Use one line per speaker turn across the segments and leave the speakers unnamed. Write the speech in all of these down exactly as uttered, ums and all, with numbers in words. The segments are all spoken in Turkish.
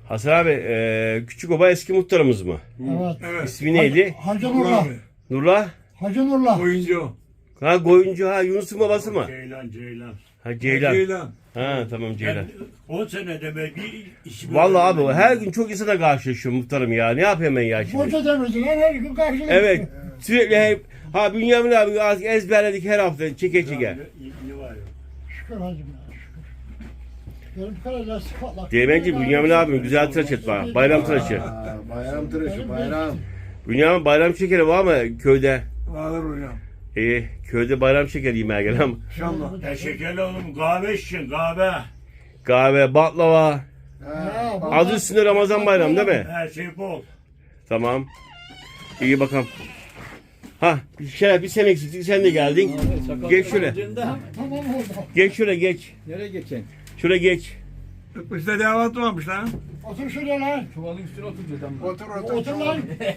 Hasan abi, e, Küçükoba eski muhtarımız mı?
Evet.
Evet.
İsmi neydi?
Hacı Nurla.
Nurla?
Hacı Nurla.
Oyuncu.
Ha Goyuncu, ha Yunus'un babası mı?
Ceylan, Ceylan.
Ha Ceylan.
Ceylan.
Ha tamam Ceylan.
Ben on sene demek bir işimi
Vallahi abi
öğrendim.
her gün çok insana karşılaşıyorum muhtarım ya. Ne yapayım ben ya şimdi?
Koca demirciler her gün karşılaşıyor.
Evet. Sürekli hep ha Bünyamin abi artık ezberledik her hafta çeke çeke.
Ne, ne var ya?
Şükür hacım ya şükür. Benim karaca sıfatla.
Değmenci Bünyamin abim güzel tıraş et bana. Bayram tıraşı.
Aa, bayram tıraşı bayram.
Bünyamin bayram şekeri var mı köyde?
Vardır hocam.
İyi. Köyde bayram şekeri yemeğe gel ama.
İnşallah.
Ya şekerli oğlum kahve için kahve.
Kahve, baklava.
Ha,
Ha,
Adı üstünde Ramazan bayramı değil mi?
Her şey bol.
Tamam. İyi bakalım. Ha bir şey bir sen eksiktin sen de geldin. Geç şöyle.
Tamam oldu.
Geç şöyle geç.
Nereye geçeceksin?
Şöyle geç.
Bizde davet varmış lan.
Otur şuraya lan.
Çuvalın üstüne oturacağız ama.
otur otur.
Otur lan.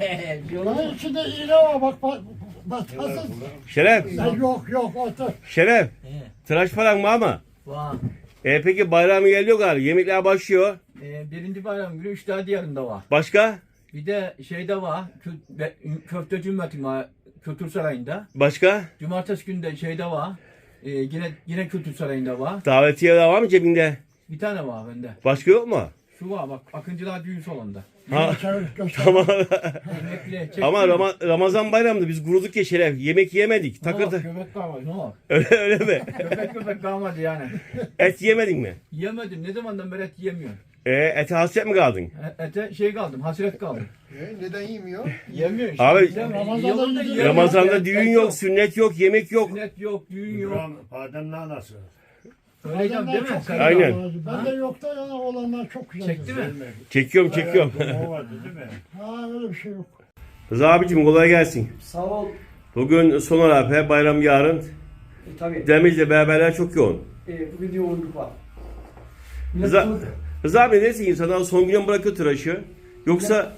Lan içinde iğne var bak bak. Batasın.
Şeref.
Yok yok otur.
Şeref. Tıraş paran mı ama?
Vah.
E peki bayramı geliyor galiba. Yemekler başlıyor.
Ee, birinci bayram günü üç daha diğerinde var.
Başka?
Bir de şeyde var. Kö, be- köfteci ümmetim var. Kültür Sarayı'nda.
Başka?
Cumartesi günü de şeyde var. Ee, yine yine Kültür Sarayı'nda var.
Davetiye de var mı cebinde?
Bir tane var bende.
Başka yok mu?
Şu var bak. Akıncılar düğün salonunda.
Ha.
Çevir göster.
Tamam.
Yemekli. çekti
Ama
mi?
Rama- Ramazan bayramında biz kuruduk ya Şeref. Yemek yemedik.
Ne
Takır
var?
tak.
Köpek kalmadı. Ne var?
Öyle, öyle mi?
Köpek köpek kalmadı yani.
Et yemedin mi?
Yemedim. Ne zamandan beri et yemiyorum.
E, ete hasret mi kaldın?
E- Ete şey kaldım. Hasret kaldım.
E, neden yemiyor?
Yemiyor işte.
Abi,
Yiyemem.
Ramazan'da
Yiyemem de
yiyecek.
yiyemem.
Ramazan'da
Et-
düğün
et
yok, sünnet yok, yemek yok.
Sünnet yok, düğün yok.
İbrahim Adem'in anası.
Öyleyeceğim değil mi?
Çok
Sen-
güzel.
Aynen.
Ben de yok da ya olanlar çok güzel.
Çekti mi?
Çekiyorum, çekiyorum.
O vardı değil mi?
Ha öyle bir şey yok.
Rıza abicim kolay gelsin.
Sağ ol.
Bugün son olarak bayram yarın.
E, tabii.
Demirci'de beraberler çok yoğun.
E, bugün yoğunluk var. Millet
Rıza,
çok-
Rıza abi neyse insanlar son güne mi bırakıyor tıraşı? Yoksa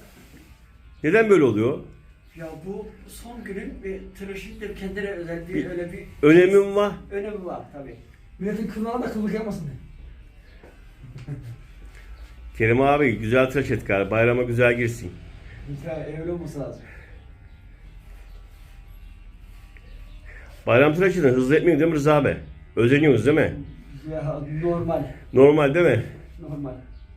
neden böyle oluyor?
Ya bu son günün ve tıraşın da kendine özel bir
Bir-
öyle bir
Önemi mi var?
önemi var tabii. Milletin kıllarına da kıllık yapmasın diye.
Kerim abi güzel tıraş et galiba. Bayrama güzel girsin.
Ya öyle olması lazım.
Bayram tıraşını hızlı etmeyin değil mi Rıza abi? Özeniyorsunuz değil mi?
Ya normal.
Normal değil mi?
Normal.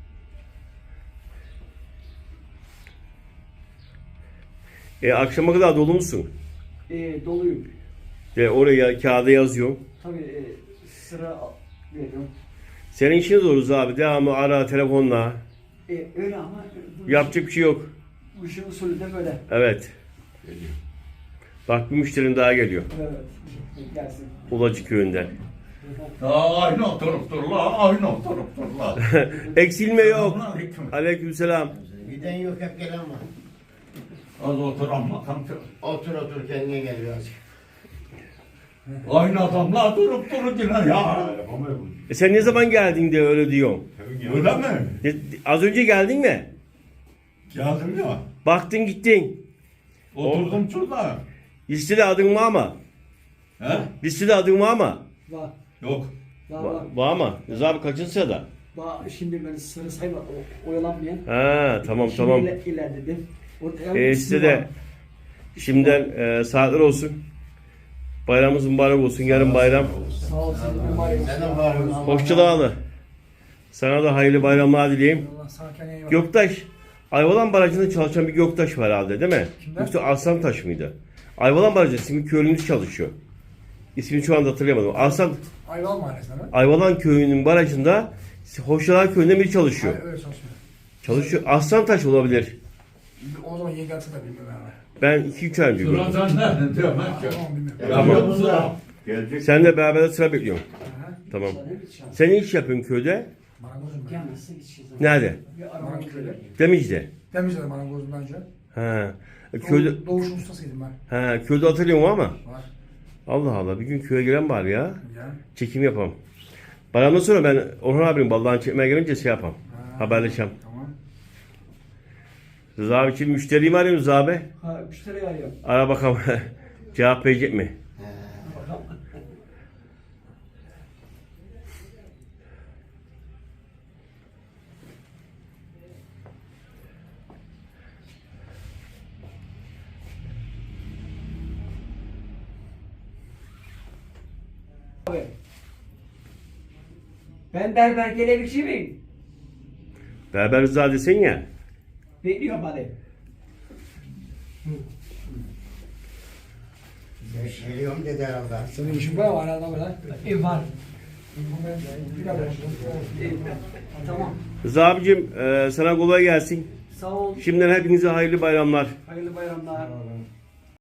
E, akşama kadar dolu musun?
E, doluyum.
E, oraya kağıda yazıyorum.
Tabii e, sıra al- veriyorum.
Senin işin zor Rıza abi. Devamlı ara telefonla.
E, öyle ama bu,
Yapacak bir şey yok.
bu işin usulü de böyle.
Evet. Bak bir müşterin daha geliyor.
Evet. Gelsin.
Ulacı köyünden.
Aynı oturup dur la. Aynı oturup dur la.
Eksilme yok.
Aleyküm.
Aleykümselam.
Giden yok hep gelen var.
Az otur amma kanka.
Otur otur kendine gel biraz.
Aynı adamla durup durur yine ya.
E sen ne zaman geldin diye öyle diyorsun.
Öyle mi?
E, az önce geldin mi?
Geldim ya.
Baktın gittin.
Oturdum şurada.
Listede adın var mı?
He?
Listede adın var mı?
Var.
Yok.
Var var.
Var, var mı? Rıza abi kaçıncı sırada?
Var. Şimdi ben sarı sayma o- oyalanmayan.
Ha tamam
Şimdi
tamam.
iler- ilerledim. Orada
E,
bir
size
ismi var.
de şimdiden e, saatler olsun. Bayramımız mübarek olsun. Yarın bayram.
Sağ ol. Sizin de bayram.
Neden var mı?
Hoşçakalın. Sana da hayırlı bayramlar dileyim.
Allah sana kendine iyi bak.
Göktaş. Ayvalan Barajı'nda çalışan bir Göktaş var herhalde değil mi?
Kimden?
Yoksa Arslantaş mıydı? Ayvalan Barajı'nda Simit Köylü'nüz çalışıyor. İsmini şu anda hatırlayamadım. Arslan,
Ayval Mahallesi'nde mi?
Ayvalan Köyü'nün barajında Hoşçalar Köyü'nde biri çalışıyor.
Hayır, öyle çalışmıyor.
Çalışıyor. Arslantaş olabilir.
O zaman yeni gelse de bilmiyorum yani.
Ben iki üç ay önce gördüm.
Şuradan sen ne diyorum ben ki?
Tamam bilmiyorum.
Tamam.
Tamam.
Gelecek.
Sen de beraber sıra bekliyorum. Tamam. Sen ne iş yapıyorsun köyde?
Marangozum ben.
Gelmezse gideceğiz.
Nerede?
Bir araba
Marangoz'da.
Demici'de.
Temizledim marangozumdan önce.
Ha. E, Köyde,
Doğu, doğuşun ustasıydım ben.
ha, köyde hatırlıyorum ama.
Var.
Allah Allah bir gün köye gelen var ya.
Ya.
Çekim yapalım. Bayramdan sonra ben Orhan abinin ballağını çekmeye gelince şey yapalım.
Ha.
Haberleşelim.
Tamam.
Rıza abi için müşteriyi mi arıyorsun Rıza abi?
Ha, müşteri arıyor.
Ara bakalım. Cevap verecek mi?
abi. Ben berber gelebilir miyim?
Berber Rıza desen ya.
Bekliyorum hadi.
Geliyorum dedi herhalde.
Senin işin var mı? Arada böyle.
E var.
Bir kadar.
E, tamam.
Rıza abicim e, sana kolay gelsin.
Sağ ol.
Şimdiden hepinize hayırlı bayramlar.
Hayırlı bayramlar.